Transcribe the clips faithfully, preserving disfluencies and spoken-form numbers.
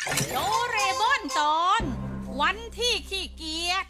โดเรมอนตอนวันที่ขี้เกียจ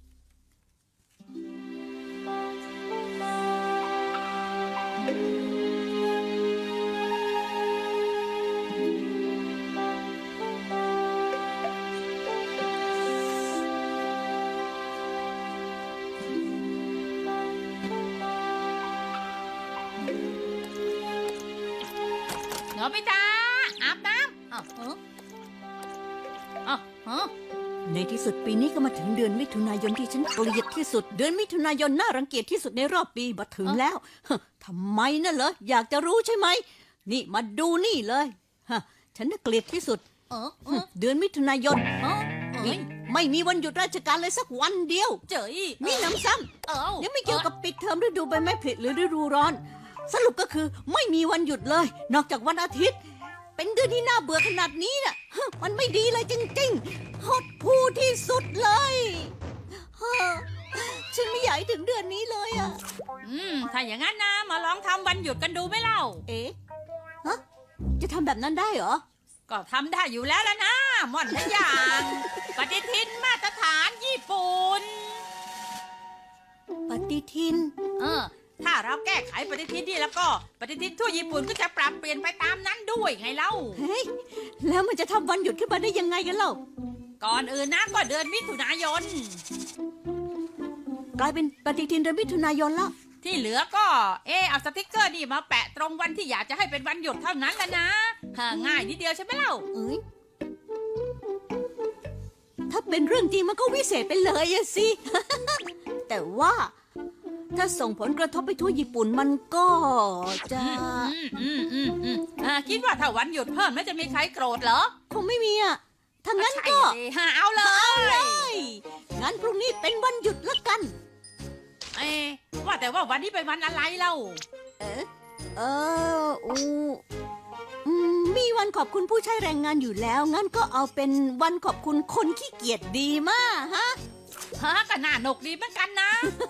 โนบิตะอาบน้ำอ้าวเอออ้าวเออในที่สุดปีนี้ก็มาถึงเดือนมิถุนายนที่ฉันเกลียดที่สุดเดือนมิถุนายนน่ารังเกียจที่สุดในรอบปีมาถึงแล้วฮะทำไมน่ะเหรออยากจะรู้ใช่ไหมนี่มาดูนี่เลยฮะฉันน่ะเกลียดที่สุดเออเออเดือนมิถุนายนเออเอ้นี่ยไม่มีวันหยุดราชการเลยสักวันเดียวเจ๋ยมีหนำซ้เอ้าำยังไม่เกี่ยวกับปิดเทอมฤดูใบไม้ผลิหรือฤดูร้อน สรุปก็คือไม่มีวันหยุดเลย นอกจากวันอาทิตย์ เป็นเดือนที่น่าเบื่อขนาดนี้น่ะฮะมันไม่ดีเลยจริงๆหดหู่ที่สุดเลยฮะฉันไม่อยากให้ถึงเดือนนี้เลยอ่ะอืมถ้าอย่างนั้นนะมาลองทำวันหยุดกันดูไหมเล่าเอ๊ะฮะจะทำแบบนั้นได้เหรอก็ทำได้อยู่แล้วแล้วนะหม่อนทุกอย่างปฏิทินมาตรฐานญี่ปุ่นปฏิทินเออ ถ้าเราแก้ไขปฏิทินนี่แล้วก็ปฏิทินทั่วญี่ปุ่นก็จะปรับเปลี่ยนไปตามนั้นด้วยไงเล่าเฮ้ยแล้วมันจะทำวันหยุดขึ้นมาได้ยังไงกันเล่าก่อนอื่นนะก็เดือนมิถุนายนกลายเป็นปฏิทินเดือนมิถุนายนแล้วที่เหลือก็เออเอาสติกเกอร์นี่มาแปะตรงวันที่อยากจะให้เป็นวันหยุดเท่านั้นแหละนะฮะง่ายนิดเดียวใช่ไหมเล่าเอ้ยถ้าเป็นเรื่องจริงมันก็วิเศษไปเลยอะสิ แต่ว่าถ้าส่งผลกระทบไปทั่วญี่ปุ่นมันก็จะอืมอืมอืมอืมอ่าคิดว่าถ้าวันหยุดเพิ่มแล้วจะมีใครโกรธเหรอคงไม่มีอะถ้างั้นใช่ก็สิฮะเอาเลเอาเลยยงั้นพรุ่งนี้เป็นวันหยุดละกันเอ๊ะว่าแต่ว่าวันนี้เป็นวันอะไรเล่าเออเอออูอืมมีวันขอบคุณผู้ใช้แรงงานอยู่แล้ว งั้นก็เอาเป็นวันขอบคุณคนขี้เกียจดีมากฮะฮะก็น่าหนกดีเหมือนกันนะ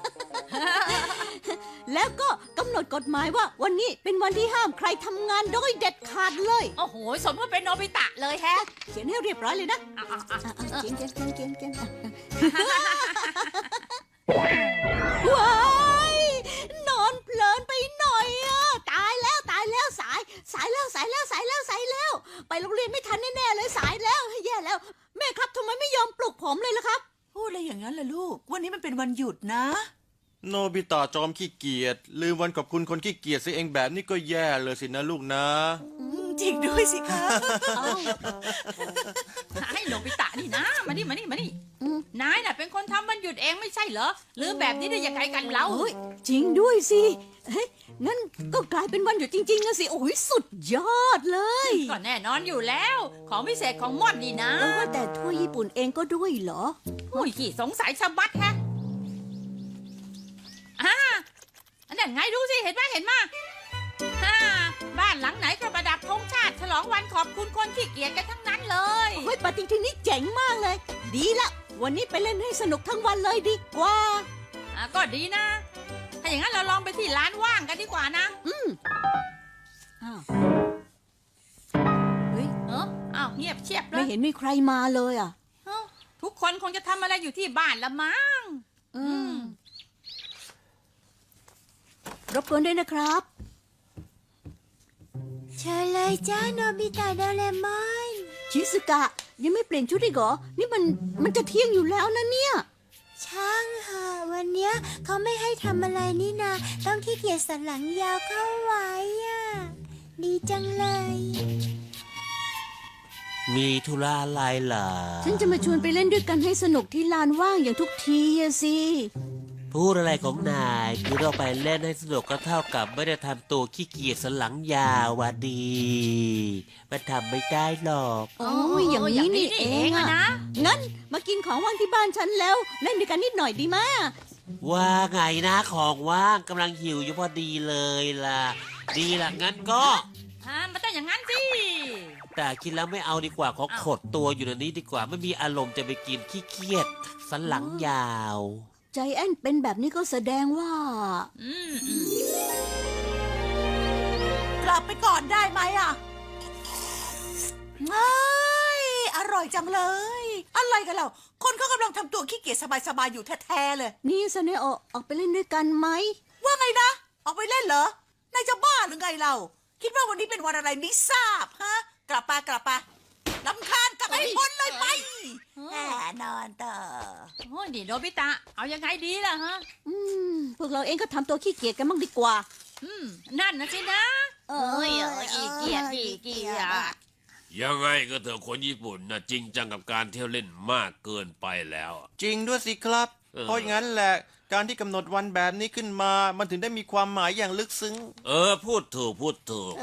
แล้วก็กำหนดกฎหมายว่าวันนี้เป็นวันที่ห้ามใครทำงานโดยเด็ดขาดเลยโอ้โหสมว่าเป็นโนบิตะเลยแฮะเขียนให้เรียบร้อยเลยนะอ่ะอ่ะอ่ะอ่ะอ่ะเขียนเขียนเขียนเขียนเขียนว้ายนอนเพลินไปหน่อยอ่ะตายแล้วตายแล้วสาย สายแล้วสายแล้วสายแล้วสายแล้ว ไปโรงเรียนไม่ทันแน่ๆเลยสายแล้วแย่แล้ว แม่ครับทำไมไม่ยอมปลุกผมเลยล่ะครับพูดอะไรอย่างนั้นล่ะลูก วันนี้มันเป็นวันหยุดนะโนบิตะจอมขี้เกียจลืมวันขอบคุณคนขี้เกียจซิเองแบบนี้ก็แย่เลยสินะลูกนะจริงด้วยสิคะให้โนบิตะนี่นะ มานี่มานี่มานี่อืมนายน่ะเป็นคนทำวันหยุดเองไม่ใช่เหรอลืมแบบนี้ได้ยังไงกันเล่าเฮ้ยจริงด้วยสิเฮ้ยงั้นก็กลายเป็นวันหยุดจริงๆอะสิโอ้ยสุดยอดเลยก็แน่นอนอยู่แล้ว ของพิเศษของม่อนนี่นะเออว่าแต่ทั่วญี่ปุ่นเองก็ด้วยเหรออุ้ยขี้สงสัยชะบัดแฮะอ่าอันนั้นไงดูสิเห็นไหมเห็นไหมฮ่าบ้านหลังไหนก็ประดับธงชาติฉลองวันขอบคุณคนขี้เกียจกันทั้งนั้นเลยเฮ้ยปฏิทินนี้เจ๋งมากเลย ดีละ วันนี้ไปเล่นให้สนุกทั้งวันเลยดีกว่าอ่ะก็ดีนะ ถ้าอย่างนั้นเราลองไปที่ร้านว่างกันดีกว่านะอืมอ้าวเฮ้ยเอออ้าวเงียบเชียบเลไม่ยเห็นมีใครมาเลยอ่ะเอ้าทุกคนคงจะทำอะไรอยู่ที่บ้านละมั้งอืมรบกวนด้วยนะครับเชิญเลยจ้าโนบิตะโดเรมอนชิสุกะ ยังไม่เปลี่ยนชุดอีกเหรอ นี่มันมันจะเที่ยงอยู่แล้วนะเนี่ยช่างเหอะวันเนี้ยเขาไม่ให้ทำอะไรนี่นาต้องขี้เกียจสันหลังยาวเข้าไว้อ่ะ ดีจังเลยมีธุระอะไรเหรอฉันจะมาชวนไปเล่นด้วยกันให้สนุกที่ลานว่างอย่างทุกทีอะสิพูดอะไรของนายคือเราไปเล่นให้สนุกก็เท่ากับไม่ได้ทำตัวขี้เกียจสันหลังยาววะดีมันทำไม่ได้หรอกโอ้ยอย่างนี้นี่เองอะนะงั้นมากินของว่างที่บ้านฉันแล้ว เล่นด้วยกันนิดหน่อยดีมะว่าไงนะของว่างกำลังหิวอยู่พอดีเลยล่ะ ดีล่ะงั้นก็อ่ามันต้องอย่างนั้นสิแต่คิดแล้วไม่เอาดีกว่าขอขดตัวอยู่ในนี้ดีกว่าไม่มีอารมณ์จะไปกินขี้เกียจสันหลังยาวใจแอนเป็นแบบนี้ก็แสดงว่าอืมอืมกลับไปก่อนได้ไหมอ่ะเอ้ยอร่อยจังเลย อะไรกันเราคนเขากำลังทำตัวขี้เกียจสบายๆอยู่แท้ๆเลยนี่ซาเนโอะออกไปเล่นด้วยกันไหมว่าไงนะ ออกไปเล่นเหรอนายจะบ้าหรือไงเรา คิดว่าวันนี้เป็นวันอะไรไม่ทราบฮะ กลับไปกลับไปลำคาญกลับไปพ้นเลยไปแหมนอนต่อโอ้ยนี่โนบิตะ เอายังไงดีล่ะฮะอืม พวกเราเองก็ทำตัวขี้เกียจกันบ้างดีกว่าอืม นั่นนะสินะเอเอ้ยเอ้ยขี้เกียจขี้เกียจยังไงก็เถอะคนญี่ปุ่นนะจริงจังกับการเที่ยวเล่นมากเกินไปแล้วจริงด้วยสิครับเออเพราะอย่างนั้นแหละ การที่กำหนดวันแบบนี้ขึ้นมา มันถึงได้มีความหมายอย่างลึกซึ้งเออ พูดถูกพูดถูก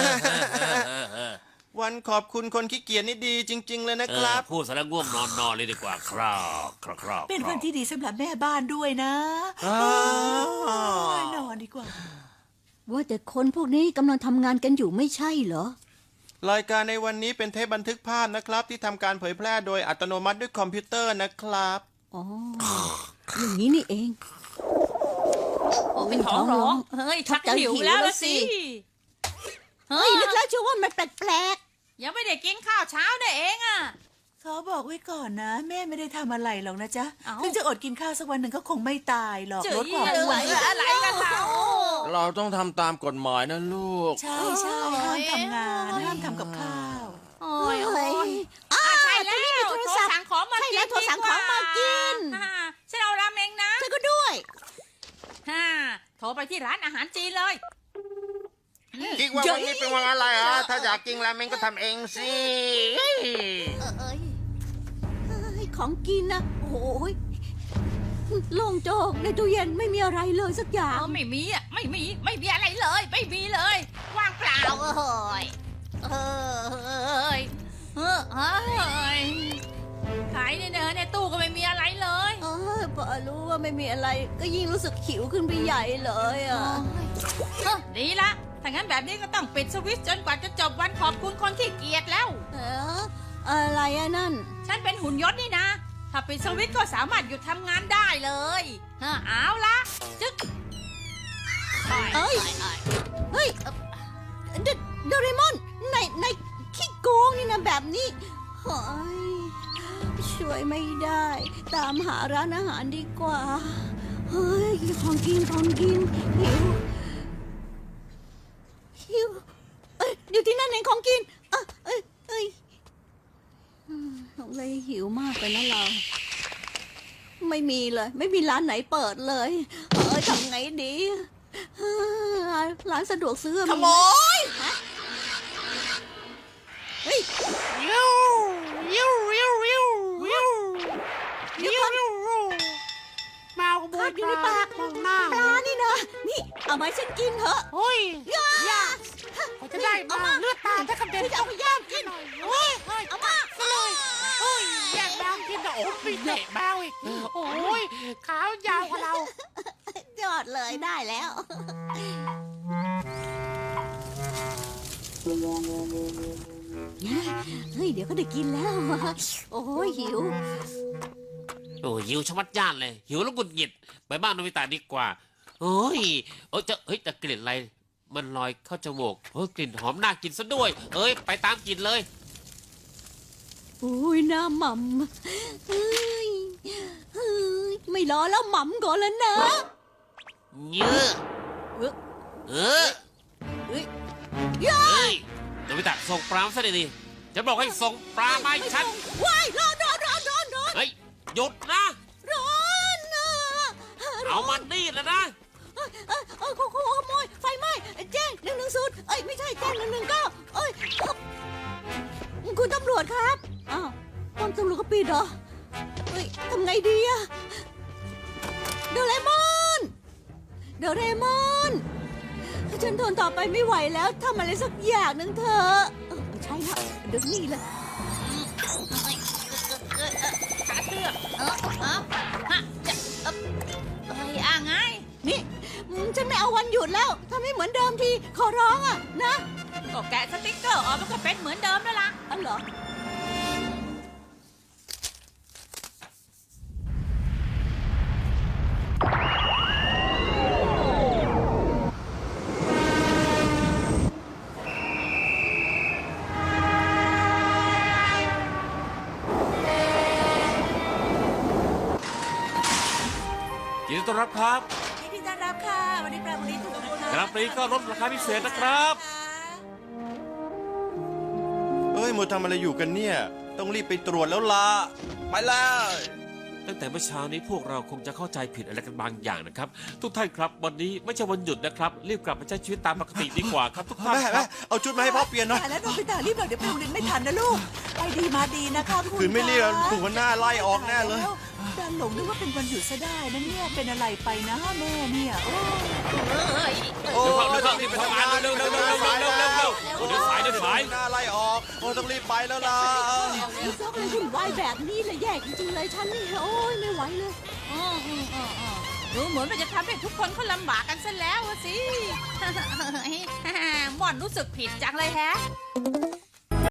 วันขอบคุณคนขี้เกียจนี่ดีจริง ๆ เลยนะคเออรับพูดสารง่วงนอนนอนเลยดีกว่าครับครับครับเป็นวันที่ดีสำหรับแม่บ้านด้วยนะอ้าวโอ้ยนอนดีกว่าว่าแต่คนพวกนี้กำลังทำงานกันอยู่ไม่ใช่เหรอรายการในวันนี้เป็นเทปบันทึกภาพนะครับ ที่ทำการเผยแพร่โดยอัตโนมัติด้วยคอมพิวเตอร์นะครับอ๋อ อย่างนี้นี่เองโอ้เป็นท้องร้อง เฮ้ย ชักจะหิวแล้วละสิเฮ้ย นึกแล้วเชื่อว่ามันแปลกยังไม่ได้กินข้าวเช้าเนี่ยเองอ่ะขอบอกไว้ก่อนนะ แม่ไม่ได้ทำอะไรหรอกนะจ๊ะเอ้าถึงจะอดกินข้าวสักวันหนึ่งก็คงไม่ตายหรอกเจ๋ยลดความเลอ้วนยอะไรกันเราเราต้องทำตามกฎหมายนะลูกใช่ใช่ห้ามทำงานห้ามทำกับข้าวโอ้ๆยโอ้ยอ้าอ่ะวใช่แล้วนี่มีโทรศัพท์สั่งของมาใช่กินแล้วโทรสั่งของมากินดีว่าฮ่าฉันเอาราเมงนะเธอก็ด้วยฮ่าโทรไปที่ร้านอาหารจีนเลยคิดว่าวันนี้เป็นวันอะไรอ่ะ ถ้าอยากกินราเมงก็ทำเองสิเอ้ยเอ้ยของกินนะโอ้ยโล่งโจกในตู้เย็นไม่มีอะไรเลยสักอย่าเอง อไม่มีอ่ะไม่มีไม่มีอะไรเลย ไม่มีเลยว่างเปล่าเอ้ยเอ้ยเอ้ยเอ้ยขายเนี่ยเนอะในตู้ก็ไม่มีอะไรเลยเออพอรู้ว่าไม่มีอะไร ก็ยิ่งรู้สึกหิวขึ้นไปใหญ่เลยอ่ะเอ้อดีละถ้างั้นแบบนี้ก็ต้องปิดสวิตช์จนกว่าจะจบวันขอบคุณคนขี้เกียจแล้วเอออะไรอะนั่นฉันเป็นหุ่นยนต์นี่นะ ถ้าปิดสวิตช์ก็สามารถหยุดทำงานได้เลยเออเอาละจึ๊กเอ้ย เฮ้ยเดโดเรมอนในในขี้โกงนี่นะแบบนี้เฮ้ยช่วยไม่ได้ ตามหาร้านอาหารดีกว่า เฮ้ยของกินของกินหิวหิวเอ้ยอยู่ที่นั่นเองของกินเอ้ยเอ้ยเอ้ยอืมสงสัยหิวมากไปนะเรา ไม่มีเลย ไม่มีร้านไหนเปิดเลยเอ้ยทำไงดีเอ้ยร้านสะดวกซื้อขโมยเฮ้ยยิวยิวยิวยิวยิวเดี๋ยวก่อนมาขโมคาย ดอยู่ในปากมองหน้าปลานี่นะ นี่ เอามาให้ฉันกินเถอะโอ้ยย่าเขาจะได้มาเลือดตาถ้ากระเด็นฉันจะเอาไปย่างกินโอ้ยเฮ้ยเอามาเลยโอ้ยแยกบางกินนะโอ้ยเตะบ้าอีกโอ้ยขาวยาวกว่าเรายอดเลยได้แล้ว เฮ้ย เดี๋ยวก็ได้กินแล้ว โอ้ยหิวโอ้ยหิวชะมัดย่านเลย หิวแล้วกุดหงิดไปบ้านโนบิตะดีกว่าโอ้ยเอ้ยจะเฮ้ยแต่กลิ่นอะไร มันลอยเข้าจมูกเฮ้ยกลิ่นหอมน่ากินซะด้วย เอ้ยไปตามกลิ่นเลยอุ้ยน้ำหม่ำเฮ้ยเฮ้ยไม่รอแล้วหม่ำก่อนแล้วนะเยอะเออเฮ้ยย่าเฮ้ยโนบิตะส่งปลามาซะดีๆจะบอกให้ส่งปลามาให้ฉันว้ายร้อนร้อนร้อนร้อนร้อนเฮ้ยหยุดนะร้อนนะเอามันนี่แล้วนะเอ้ยเอ้ยเอ้ยขโมยขโมยไฟไหม้แจ้งหนึ่งหนึ่งศูนย์เอ้ยไม่ใช่แจ้งหนึ่งหนึ่งเก้าเอ้ยคุณตำรวจครับอ้าวป้อมตำรวจก็ปิดเหรอเฮ้ยทำไงดีอะโดเรมอนโดเรมอนฉันทนต่อไปไม่ไหวแล้วทำอะไรสักอย่างหนึ่งเถอะเออใช่แล้วเดี๋ยวนี้เลยขาเสื้อเออเออฮะจะเออเอ้ยอ่ะไงนี่อืมฉันไม่เอาวันหยุดแล้วทำให้เหมือนเดิมทีขอร้องอะนะก็แกะสติ๊กเกอร์ออกมันก็เป็นเหมือนเดิมแล้วล่ะอันเหรอต้อนรับครับยินดีต้อนรับค่ะวันนี้ปลาวันนี้ถูกกว่าครับนี้ก็ลดราคาพิเศษนะครับเอ้ยมัวทำอะไรอยู่กันเนี่ย ต้องรีบไปตรวจแล้วล่ะ ไปเลยตั้งแต่เมื่อเช้านี้พวกเราคงจะเข้าใจผิดอะไรกันบางอย่างนะครับ ทุกท่านครับวันนี้ไม่ใช่วันหยุดนะครับ รีบกลับมาใช้ชีวิตตามปกติดีกว่าครับทุกท่านแม่คแม่รับเอาชุดมาให้พ่อเปลี่ยนหน่อยแต่แล้วโนบิตะรีบหน่อยเดี๋ยวไปโรงเรียนไม่ทันนะลูก ไปดีมาดีนะคะคุณคืนไม่รีบแล้วถูกหัวหน้าไล่ออกแน่เลยดันหลงนึกว่าเป็นวันหยุดซะได้นะเนี่ยเป็นอะไรไปนะแม่เนี่ยโอ้เอ้ยโอ้เร็วเข้าเร็วเข้ารีบไปทำงานเร็วเร็วเร็วเร็วเร็วเร็วเร็วเร็วโอ้เดี๋ยวสายเดี๋ยวสายหน้าไล่ออก โอ้ต้องรีบไปแล้วล่ะมีซอกอะไรวุ่นวายแบบนี้เลยแย่จริงๆเลยฉันนี่โอ้ยไม่ไหวเลยอืมอืมอืมอืมดูเหมือนมันจะทำให้ทุกคนเขาลำบากกันซะแล้วอะสิ หม่อนรู้สึกผิดจังเลยแฮะ